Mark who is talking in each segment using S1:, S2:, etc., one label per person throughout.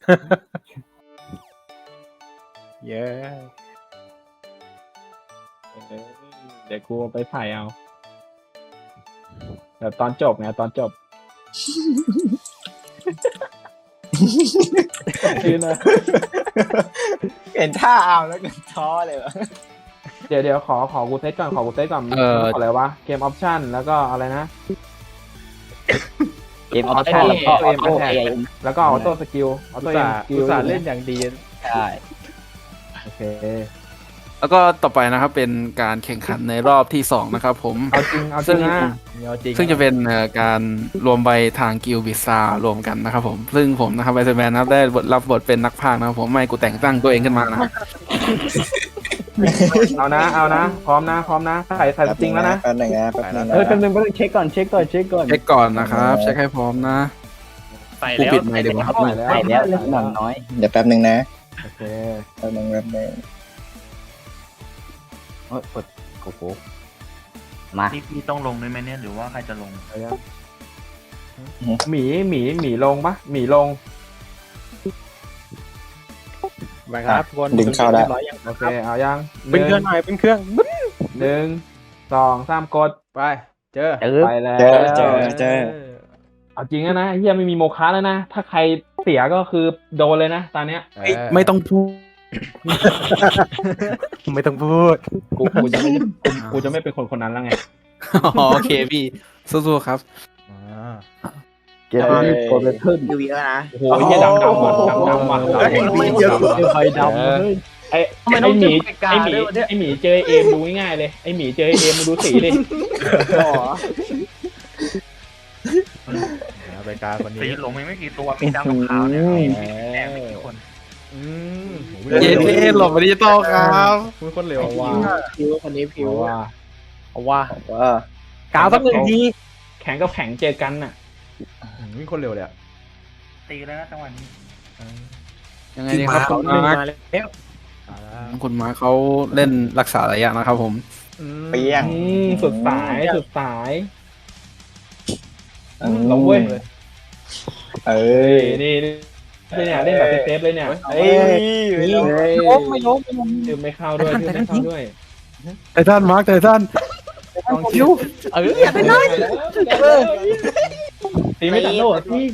S1: เย้เดี๋ยวกูไปถ่ายเอาเดี๋ยวตอนจบไงตอนจบคือนะ
S2: เห็นท่าเอาแล้วก็ท้อเลยวะ
S1: เดี๋ยวขอกูเซตก่อนขออะไรวะเกมออปชั่นแล้วก็อะไรนะ
S3: เกมออปชั่นแล้วก็ออโต้เอ
S1: แล้วก็ออโต้สกิลออโต้เอ็มสกิล
S4: อุตส่าห์เล่นอย่างดี
S3: ใช่
S1: โอเค
S5: แล้วก็ต่อไปนะครับเป็นการแข่งขันในรอบที่2นะครับผม
S1: เอาจริงนะ
S5: ซึ่งจะเป็นการรวมใบทางกิลบิซารวมกันนะครับผมซึ่งผมนะครับไบเซอร์แมนนะครับได้รับบทเป็นนักพากย์นะครับผมไม่กูแต่งตั้งตัวเองขึ้นมานะครับ
S1: เอานะพร้อมนะใส่สติงแล้วนะ
S2: แป๊บนึงนะแป๊บนึงนะ
S3: แป๊บนึงเช็คก่อน
S5: เช็คก่อนนะครับเช็คให้พร้อมนะ
S4: ใส่
S5: กู
S4: แล้ว
S5: ปิดไมค์ดีกว่าครับ
S1: ใส่
S3: ใส่แล้วหน่อยน้อย
S2: เดี๋ยวแป๊บนึงนะ
S1: โอเค
S2: แป๊บนึง
S3: โอ้ยกดโกโก้มา
S4: พี่ต้องลงด้วยไหมเนี่ยหรือว่าใครจะลง
S1: เอายังหมีลงปะหมีลง
S4: ไปครับคน
S2: ดึงเข้าได้
S4: ร้อยยัง
S1: โอเคเอายัง
S4: เป็นเครื่องหน่อยเป็นเครื่อง
S1: 1 2 3กด
S4: ไปเจอ
S1: ไปแล้ว
S2: เจอ
S1: เอาจริงนะเฮียไม่มีโมฆะแล้วนะถ้าใครเสียก็คือโดนเลยนะตอนเนี้ย
S5: ไม่ต้องพูด
S4: ไม่ต้องพูด
S1: กูจะไม่เป็นคนนั้นแล้วไง
S5: อ๋อโอเคพี่สู้ๆครับ
S3: เกมนี้โปรเฟสเซอร์
S2: ดูเยอะนะ
S1: โอ้โหเฮียดำว่ะไอหมีเจอเอมดูง่ายๆเลยไอหมีเจอเอมดูสีเลย
S4: ไปกาคนนี้
S6: สีหลงไม่กี่ตัวมีดำกับขาวเนี่ยแดงไม่กี่คน
S5: เย้เท่หลบไปดิจิตอลครับ
S4: คุณคนเร็ว
S1: ว่า
S3: ผิวคนนี้ผิว
S1: ว่า
S4: เอาว่า
S2: ว่า
S4: กาวสักหนึ่งที
S1: แข่งกับแข่งเจอกันน่ะ
S4: วิ่งคนเร็วเลย
S6: ตีแล้วนะจังหวะนี้
S5: ยังไงดีครับคุณมาร์ค
S4: แล้ว
S5: คุณมาร์คเขาเล่นรักษาระยะนะครับผม
S2: เปี้ยง
S1: สุดสายลงเว้ย
S2: เอ้
S1: เฮ้
S2: ย
S1: ยนี่เนี่ยเล่นแบบเซฟเลยเนี่ย
S2: เอ้ย
S3: ไม่ล้ม
S1: คือไม่เข้าด้วย
S5: ไททันมาร์คไททัน
S1: ต้องคิวตีไม่ตัดโลดพี่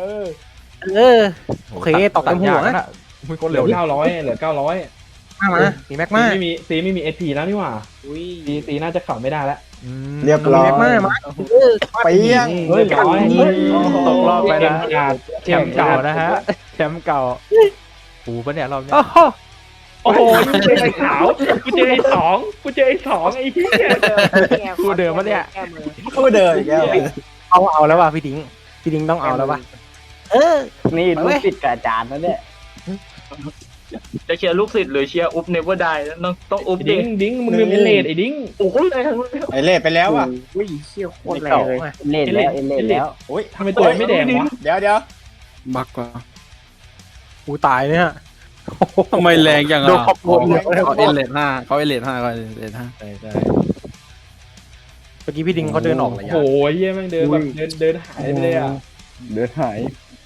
S4: โอเคตอกเต็มหัวนะมึงคน
S1: เหลื
S4: เร็
S1: อ
S4: ว
S1: 900
S4: มามีแม็กมา
S1: ซีไม่มีเอพีแล้วนี่หว่าซีน่าจะเข่าไม่ได้แล้ว
S2: เรียบร้อย
S4: แม็กมา
S2: เปี้ยง
S1: เฮ้ยร้อย
S4: ตกรอบไปนะ
S1: แชมป์เก่านะฮะ
S4: แชมป์เก่าปูปะเนี่ยรอบนี้
S1: โอ้โหกูเจอไอ้ขาวกูเจอไอ้สองไอ้เหี้ย
S4: กูเดิมปะเนี่ย
S2: พูดเดินอีกแล้ว
S4: เอาแล้วว่ะพี่ดิ้งต้องเอาแล้วว่ะ
S3: นี่ลูกศิษย์กับอาจารย์นะเนี่ย
S6: จะเชียร์ลูกศิษย์หรือเชียร์อุ๊บเนเวอร์ไดต้องอุ๊บดิ
S1: ดิ้งมึงลืมเป็นเลดไอ้ดิ้ง
S6: โอ้โหเลยทั้งนั้น
S2: ไอเล่ไปแล้วอ่ะ
S3: อุ้ยเชี่ยวโคตรแรงเลยเล่นแล้ว
S2: โอ้ย
S1: ทำไมตัวไม่แดงวะ
S2: เดี๋ยว
S5: บักกว่า
S4: กูตายเนี่ย
S5: ทำไมแรงจังอ่ะ
S4: โดนขอบคุณ
S5: เขาเอเลทห้าเขาเอเลทห้า
S4: ใช่เมื่อกี้พี่ดิ้งเขาเดินออกระยะ
S1: โอ้โหเหี้ยแม่งเดินแบบเดินหายไปเลยอ่ะ
S3: เดือดหาย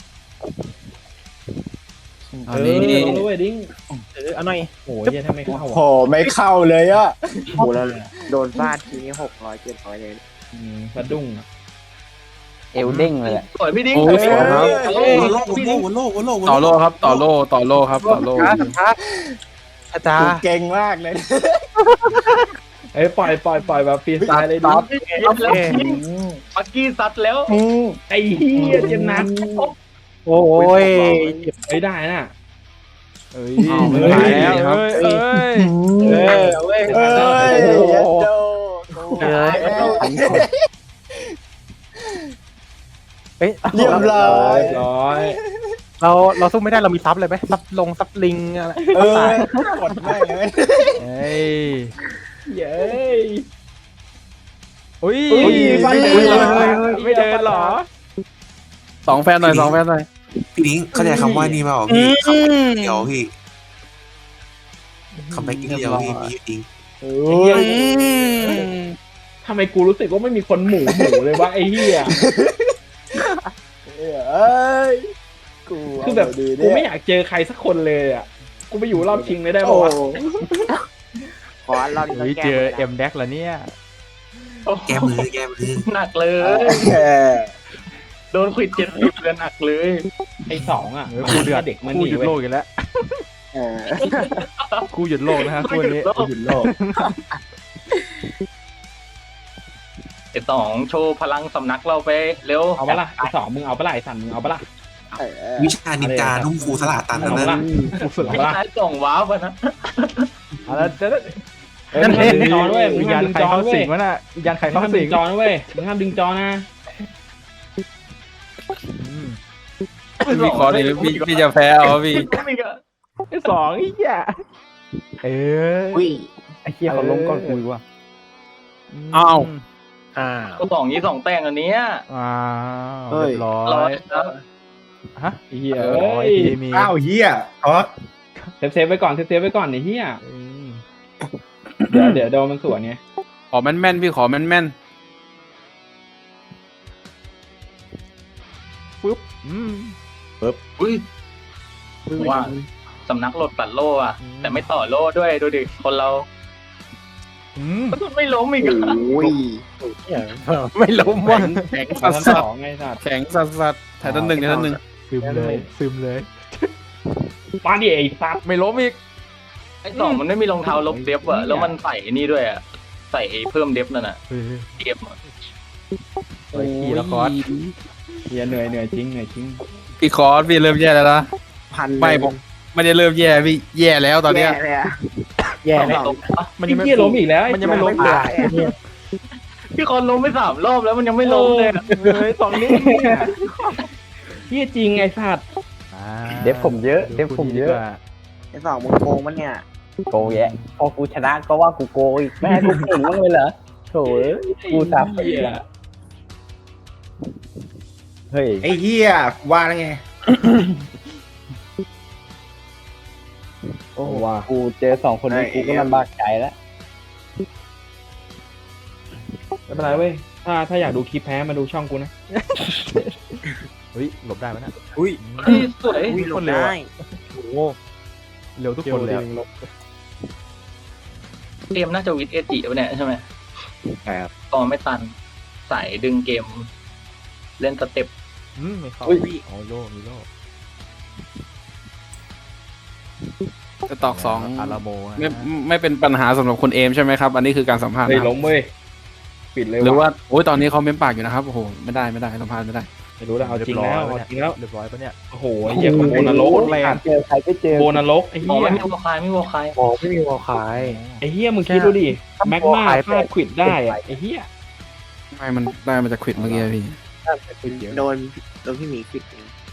S5: ตอนนี้
S1: ลงด้วยดิ้ง
S4: เอาหน่อย
S1: โอ้ยเหี้ยทำไมเข้า
S2: โห
S1: อ่ะ
S2: ไม่เข้าเลยอ่ะ
S3: โอ้แล้วโดนฟาดทีนี้600 700เลย
S1: สะดุ้ง
S3: เอวเด้งเลย
S6: สวยพี่ดิ้ง
S5: โอ้ยครับ
S6: ต่อโลก
S5: ต่อโล่ครับต่อโล่
S4: อาจาร
S2: กู
S4: ย์
S2: เก่งมากเลย
S1: เอ้ยปล่อยแบบฟรีสไตล์เลยดิ
S6: ปักกี้ซัดแล้ว
S1: ไอ้เหี้ยเจ็บหนัก
S4: โอ้ย
S1: เฮ้ยได้น่ะเอ้ย
S5: ไม่ไหวแล้วครับ
S4: เอ้ย
S2: เอ้ย
S4: เอ้ย
S2: เย็ดโด
S4: เฮ้ย
S2: เรียบร้อย
S4: เราสู้ไม่ได้เรามีซับเลยไหมซับลงซับลิงอะไร
S2: กดไม่เลย
S4: เฮ้ย
S1: เย้
S4: อุ้ย
S1: ไม่เดินหรอ
S5: สองแฟนหน่อย
S7: พี่นิ้งเข้าใจคำว่านี่เปล่าพี่คำแบ็กเดียวพี่คำแบ็กเดียวพี่มีอยู่จริง
S1: ทำไมกูรู้สึกว่าไม่มีคนหมูเลยวะไอ้เหี้ย
S2: เอ้ย
S1: คือแบบกูไม่อยากเจอใครสักคนเลยอ่ะกูไปอยู่รอบชิงเลยได้ปะวะ
S3: ขอเราดี
S4: เฮ้ย
S3: แก้
S4: เจอ
S3: มื
S4: เอ็มแดกแล้วเนี่ย
S7: แก้มือแก้มือ
S6: หนักเลย โดนขวิด70เลยหนักเลย
S1: ไอ้สองอ่ะ
S4: กูเดือด
S1: เด็กมัน
S4: กู
S1: ดี
S4: หยุด
S1: เว้ย
S4: โลกกันแล้ว
S3: เออ
S4: กูหยุดโลกนะฮะคู่นี้
S1: กูหยุดโลก
S6: ไอ้สองโชว์พลังสำนักเราไปเร็ว
S1: เอาปะล่ะไอ้สองมึงเอาปะล่ะไอ้สันมึงเอาปะล่ะ
S3: เออ
S7: วิชานินจานุ่มฟูสลาตัน
S1: เอา
S7: นั่น
S1: ปะ
S7: นะ
S1: ล่ะ
S4: กูสุด
S6: ไม่
S4: ละ
S6: ใช่ส่งว้าวไปนะ
S4: เอาละเจ๊
S1: เฮ้ยมึงห้ามดึงจอด้วยมึ
S4: วิ
S1: ง
S4: ญ
S1: ห้า
S4: ญาม ณ
S1: ดึง
S4: ใคร
S1: จอ
S4: เข้า
S1: ด้ว
S4: สิ
S1: ย
S4: งวะน่ะวิญญาณใคร
S1: มึง
S4: เข้า
S1: ห้าม
S4: สิ
S1: ดึ
S4: ง
S1: งจอนะเว้ยมึงห้ามดึงจอนะ
S5: พี่ขอหน่อยพี่จะแพ้เอาพี่
S4: ไอ้สองไอ้เหี้ยเออ
S3: อุ้ย
S4: ไอ้เหี้ยเขาล้มก่อนกูว่ะ
S5: อ้าว
S6: ก็สองนี้สองแต่งอันเนี้ย
S4: อ้าวเรียบร้
S6: ร้
S4: อ
S6: อย ยแล้ว
S4: ฮะ
S1: ไอ้เหี้ย
S4: เอ
S1: เอ้
S4: อย มี
S2: อ้าวเฮียอ๋อ
S1: เซฟไว้ก่อนเซฟไว้ก่อนไอ้เหี้ย
S4: อืม
S1: เดี๋ยวโดนมันสวนไง
S5: ขอแม่นๆพี่ขอแม่น
S4: ปึ๊บอืม
S6: อุ้ยว่าสำนักโหลดตัดโล่อะแต่ไม่ต่อโล่ด้วยดูดิคนเรา
S4: อืม
S6: มันไม่ล้มอีกอะ
S3: อุ้ย
S4: ไม่ล้มว่ะ
S5: ๆแข็ง
S1: เอา
S5: สัส
S1: ทั้ง
S5: สั
S1: สองไงสัตว์
S5: แข็งสัสสัสถ่ายต้นหนึ่งถ่ายต้นหนึ่ง
S4: ซึมเลยซึมเลย
S1: มาดิไอ้สัตว์
S4: ไม่ล้มอีก
S6: ไอ้สองมันไม่มีรองเท้าลบเดฟอะแล้วมันใส่นี่ด้วยอะใส่เพิ่มเดฟนั่นอะ
S4: เฮ้ย
S6: เกมอะ
S4: โอ้ยขี่แล้วคอร์ส
S1: เหี้ยเหนื่อยจริงเหนื่อยจริง
S5: พี่คอร์สพี่เริ่มแย่แล้วนะ
S3: พัน
S5: ไม่ผมไม่ได้เริ่มแย่พี่แย่แล้วตอนเนี้ย
S3: แย่เลยอะ
S4: แย่
S6: ไม่
S4: แล้ว
S6: ล้มปะ
S4: มัน
S1: ไอ้
S4: ยังไม่
S1: เหี้ยล้มอีกแล้ว
S4: มันยังไม่ล้ม
S3: ไม่
S4: เลย
S3: ตายอะ
S6: พี่คอนล้มไป3 รอบแล้วมันยังไม่ล้มเลยอะ
S4: เฮ้ยสองนิ้ว
S1: เหี้ยจริงไอ้สัตว์
S4: เดฟผมเยอะเดฟผมเยอะ
S3: ไอ้สองมึงโกงมันเนี่ย
S8: โกงแยะพอกูชนะก็ว่ากูโกงอีกไม่ให้กูเก่งบ้างเลยเหรอโถ่เอ้ยกูทับ
S1: เหี้ย
S8: เฮ้ย
S2: ไอ้เฮียว่าแล้วไง
S8: โอ้ว่ากูเจอสองคนนี้กูก็ลำบากใจแล้ว
S1: ไม่เป็นไรเว้ยถ้าอยากดูคลิปแพ้มาดูช่องกูนะ
S4: เฮ้ยหลบได้ไหมน่ะ
S2: อุ้ย
S6: พี่สวย
S3: อุ้ยหล
S4: ค
S3: บ
S4: นเร็ว
S3: ได้
S4: อะ โอ้โหเร็วทุกคนเลยอะ
S6: เกมน่าจะวิดเอจิปะเนี่ยใช่ไหม
S2: ครับ
S6: ตอนไม่ตันสายดึงเกม เล่นสเต็ป
S4: ไม่เข้าโอ้โลมีโล
S5: จะตอกสอง
S4: อาราโม
S5: ไม่เป็นปัญหาสำหรับคุณเอมใช่ไหมครับ อันนี้คือการสัมภาษณ์
S1: เฮ้ย
S5: นะ
S1: ล้มเว้ยปิดเลย
S5: หรือ
S1: ว่ะ
S5: ว่าโอ้ยตอนนี้เขาเม้มปากอยู่นะครับโอ้โหไม่ได้สัมภาษณ์ไม่ได้
S1: ไม่รู้แล้วเอาจริงแล้วเอาจริงแล้ว
S4: เรียบร้อยปะเนี่ย
S1: โอ้โหไอ้เหี้ยโบนรก
S4: แรง
S8: เจอใครก็เจอ
S1: โบนรกไอ้
S6: อ๋อ
S1: เหี้ย
S6: ไม่มีวัวคายไม่มีวัวคาย
S8: บอกไม่มีวอลคาย
S1: ไอ้เหี้ยมึงคิดดูดิแม็กมาฟาดควิดได้อะไอ้เหี้ย
S5: ไม่มันได้มาจากควิดเมื่อกี้พี่
S3: โดนพี่หมีปิด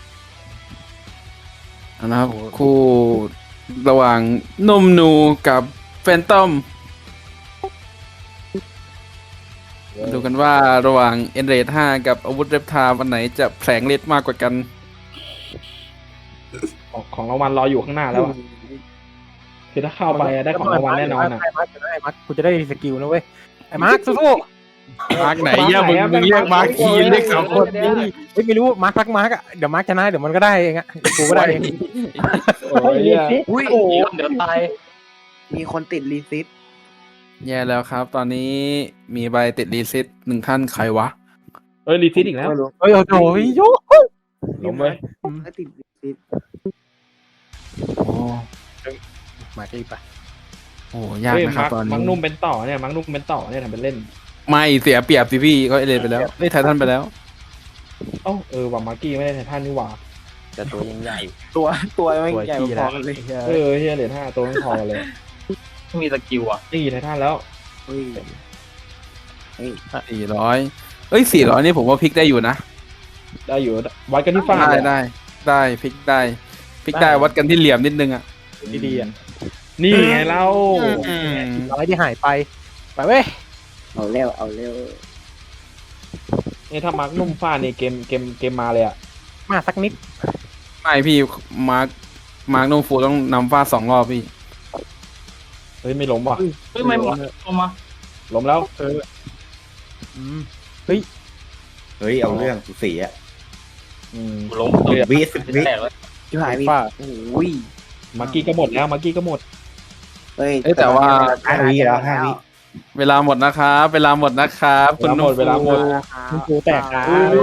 S5: นะครับคู่ระหว่างนมนูกับแฟนตอมดูกันว่าระหว่างเอ็นเรด5กับอาวุธเรปทาวันไหนจะแผลงฤทธิ์มากกว่ากัน
S1: ของรางวัลรออยู่ข้างหน้าแล้วอะคือถ้าเข้าไปอะได้ของรางวัลแน่นอนอ่ะ
S4: ไอ้มาร์คไอ้มาร์คกูจะได้สกิลนะเว้ยไอ้มาร์คสู้
S5: มาร์กไหนเนี่ยมึงเรียกมาร์กคีนเรียกสอง
S4: ๆ
S5: คน
S4: เฮ้ยไม่รู้มาร์ครักมาร์คอะเดี๋ยวมาร์คชนะเดี๋ยวมันก็ได้เองอะกูก็ได้เอง
S1: โอ้ยเหี้ย
S3: อุ้ย
S6: เดี๋ยวตาย
S3: มีคนติดรีซิต
S5: แย่แล้วครับ ตอนนี้มีใบติดรีซิต1 ท่านใครวะ
S1: เอ้ยรีซิตอีกแล้ว
S3: ไม่รู้
S4: เฮ้ยโอ้โหโย
S1: ล้มเว้ย
S3: ก็ติดรีซิต
S5: โอ้
S4: มาดีป่ะ
S5: โหยาก
S1: เฮ้ย
S5: นะครับตอน
S1: มัง
S5: นี้
S1: นุ่มเป็นต่อเนี่ยมังนุ่มเป็นต่อเนี่ยทำเป็นเล่น
S5: ไม่เสียเปรียบสิพี่ก็เอเลนไปแล้วเอ้ยไททันไปแล้ว
S1: เอ้าว่ามาร์กี้ไม่ได้ไททันนี่หว่า
S8: แต่ตัวยังใหญ่
S3: ตัวไม่
S4: ตัว
S3: ใหญ่
S4: ขี้
S3: พ
S4: แล้
S3: อ
S4: ว
S3: กันเลย
S1: เฮียเหรียญ5ตัวไม่พอเลย
S6: ไม่มีสกิลอะ
S1: นี่ไททันแล้ว
S3: อุ้ย
S5: 400เอ้ย400นี่ผมว่าพลิกได้อยู่นะ
S1: ได้อยู่วัดกันที่ฟ้า
S5: ได้พลิกได้วัดกันที่เหลี่ยมนิดนึงอ่ะ
S1: ดีๆอ่ะนี่ไงเรา
S4: อะไรที่หายไปไปเว้ย
S3: เอาเร็วเอาเร็ว
S1: เนี่ยถ้ามาร์กนุ่มฟ้านี่เกมมาเลยอ่ะ
S4: มาสักนิด
S5: ไม่พี่มาร์กโนฟูต้องนำฟาด2 รอบพี่
S1: เฮ้ยไม่ล้มว่ะ
S6: เฮ้ยไม่หมดลงมา
S1: ล้มแล้ว
S4: อืม
S2: เฮ้ยเอาเรื่องสีอ่ะ
S6: ล้มตัว
S2: วิสิบวิ
S6: แตกแล้ว
S3: ชิบหายมี
S4: ฟ้า
S3: โอ้ย
S1: มากี้ก็หมดแล้วมากี้ก็หมด
S3: เฮ้ย
S5: เอ้ยแต่ว่า
S2: 5 วิแล้ว5 วิ
S5: เวลาหมดนะครับเวลาหมดนะครับคุณนุ่ม
S1: เวลาหมด
S4: คุณกูแตกนะ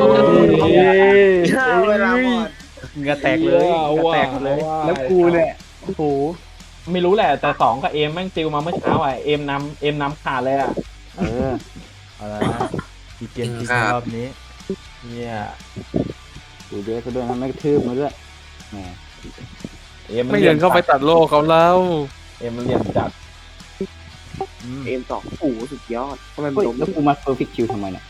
S3: เวลาหมด
S4: เหงื่อแตกเลยเหงื่อแตกหมดเลย
S8: แล้วกูเนี่ยโอ้โห
S1: ไม่รู้แหละแต่2กับเอมแม่งติวมาเมื่อเช้าอ่ะเอมนำขาดเลยอ่ะ
S8: เออเอาละมีเกมจริงรอบนี้
S1: เนี่ย
S8: กูเยอะก็ด้วยนะไม่กระทืบมาด้วยแหม
S1: เอม
S5: ไม่เดินเข้าไปตัดโลกเขาแล้ว
S1: เอมมันเหลี่ยมจัด
S3: เอ็มสองโอ้โหสุดยอดทำไมมัน
S8: เฮ้ย
S3: ล้ม
S8: แล้วกูมาเพอร์เฟกต์คิวทำไมเนี่ย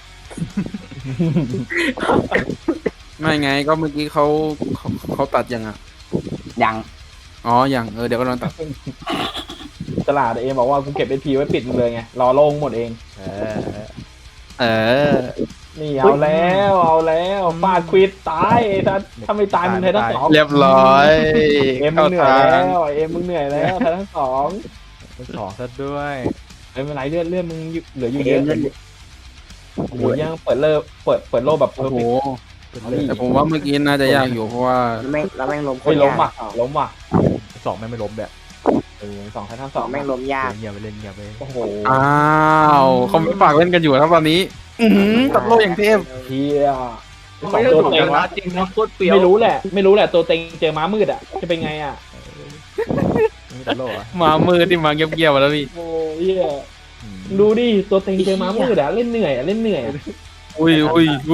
S5: ไม่ไงก็เมื่อกี้เขาตัดยังอ่ะ
S8: ยัง
S5: อ๋อยังเดี๋ยวก็โดนตัด
S1: ตลาดเอมบอกว่ากูเก็บเอพีไว้ปิดมึงเลยไงรอโล่งหมดเอง
S5: เออ
S1: นี่เอาแล้วฟาดควิดตายถ้าไม่ตายมึงไทยทั้งสอง
S5: เรียบร้อย
S1: เอ็มมึ
S5: เข้าง
S1: เหนื่อย
S5: ทาง
S1: แล้วเอ็มมึงเหนื่อยแล้วไทยทั้งสอง
S8: เป็นสองซะด้วย
S1: ไม่เป็นไรเลื่อนมึงเหลืออยู่เยอะโอ้โหยังเปิดโลกแบบเพอ
S5: โอ้
S1: ร์
S5: โห
S1: เฟกต์
S5: แต่ผมว่าเมื่อกี้น่าจะยากอยู่เพราะว่า
S3: แล้วแม่งล้ม
S1: ไม่ล้ม
S3: ยาก
S1: ว่ะล้มว่ะ
S8: สองไม่ล้มแบบ
S1: 2ไทยทั้ง
S3: ส
S1: ส
S3: อ
S1: อง ง
S3: แม่งล้มยาก
S8: เงียบไปเล่นเงียบไป
S1: โอ้โห
S5: อ้าวเขาไม่ฝากเล่นกันอยู่ครับตอนนี้ตัดโลกอย่างเทพ
S1: เฮีย
S6: ไม่ได้ถูกชนะจริงนะโคตรเปรี้ยว
S1: ไม่รู้แหละตัวเต็งเจอม้ามืดอ่ะจะเป็นไงอ่ะ
S8: มีแต่โลกอะ
S5: มามือที่มาเงียบๆแล้วพี่
S1: โอ้เฮียดูดิตัวเต็งเจอม้ามืดอ่ะเล่นเหนื่อยอะ
S5: อุ้ย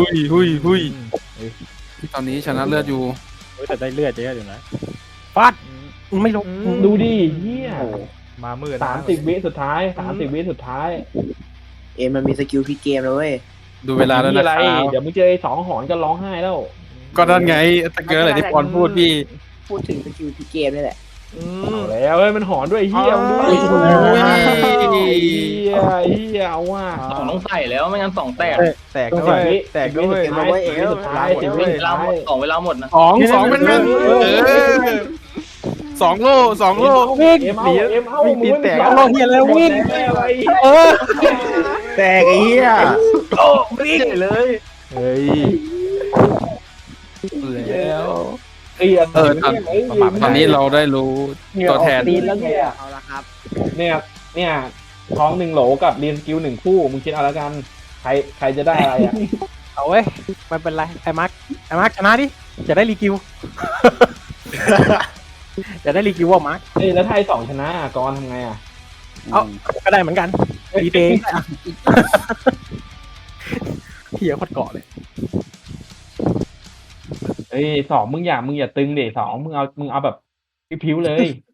S5: ตอนนี้ชนะเลือดอยู่
S4: แต่ได้เลือดเยอะอยู่นะฟาดไม่ลง
S1: ดูดิเฮีย
S8: มามืด
S1: 30 วิสุดท้าย30 วิสุดท้าย
S3: เอ็มมันมีสกิลพลิกเกมเลยเว้ย
S5: ดูเวลาแล้วนะ
S1: อะไร
S5: ครับ
S1: เดี๋ยวมึงเจอไอ้2หอนก็ร้องไห้แล้ว
S5: ก็นั่นไงตะเกียบอะไรที่ปอนพูดพี่
S3: พูดถึงสกิลพลิกเกมนี่แหละ
S1: เอาแล้วเฮ้ยมันหอนด้วยเฮียมึงดูดิเฮียเอาว่า
S6: สองต้องใส่แล้วไม่งั้นสองแตก
S8: แตกด้วยแตกด้วย
S1: สุดท้าย10 วิ
S6: เวลาหมดสองเวลาหมดนะ
S5: สองเป็นสองโล
S4: วิ่ง
S1: เอ็มเอามึง
S4: ตีแตกเอาเฮียแล้ววิ่งเออ
S2: แตกไอ้เหี้ย
S4: วิ่งเลย
S8: เฮ้ย
S5: แล้ว
S1: ต
S5: ตอนนี้เราได้รู้ตัวแทน
S1: ตีนแล้วเนี่ย
S3: เอาละครับ
S1: เนี่ยท้อง1 โหลกับเรียนสกิล1 คู่มึงคิดเอาแล้วกันใครจะได้อะไรอ่ะ
S4: เอาเว้ยไม่เป็นไรไอ้มาร์คชนะดิจะได้รีกิว จะได้รีกิวว่ามาร์ค
S1: เอ้ยแล้วถ้าไอ้2ชนะกรทำไงอ่ะ
S4: เอาก็ได้เหมือนกันรีเตงเฮียโคตรเกาะเลย
S1: เอ้ย2มึงอย่าตึงเด2มึงเอาแบบพิ้วๆเลย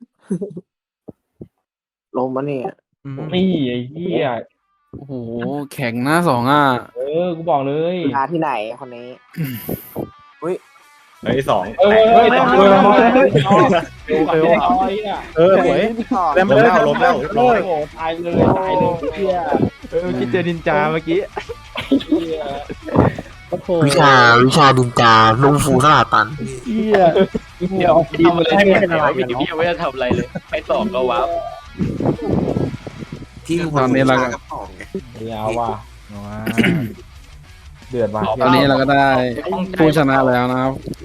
S3: ลงมาเนี่ย
S1: นี่ไอ้เหี้ย
S5: โอ้โหแข็งหน้าสองอ่ะ
S1: กูบอกเลย
S3: มาที่ไหนคนนี้
S2: เฮ้ย2
S1: เอ้ยต้องดูแล้ว
S4: สวย
S2: ล้มแล้วเรียบร้อย
S1: โอ้ตายเลยเหี้ย
S8: คิดเจอนินจาเมื่อกี้
S1: โอ้โห
S7: วิชาดินจาลุงฟูสลาตัน
S1: เหี้ย
S6: เดี๋ยวทำอะไรเนี่ยไม่ได้พี่ยังไม่ได้ทำอะไรเลยไปสองก็ว้าว
S7: ที่ลุง
S5: ตอนนี้เรา
S7: กับสองไง
S1: เอาว่ะเดือดว่ะ
S5: ตอนนี้เราก็ได้ผู้ชนะแล้วนะครับ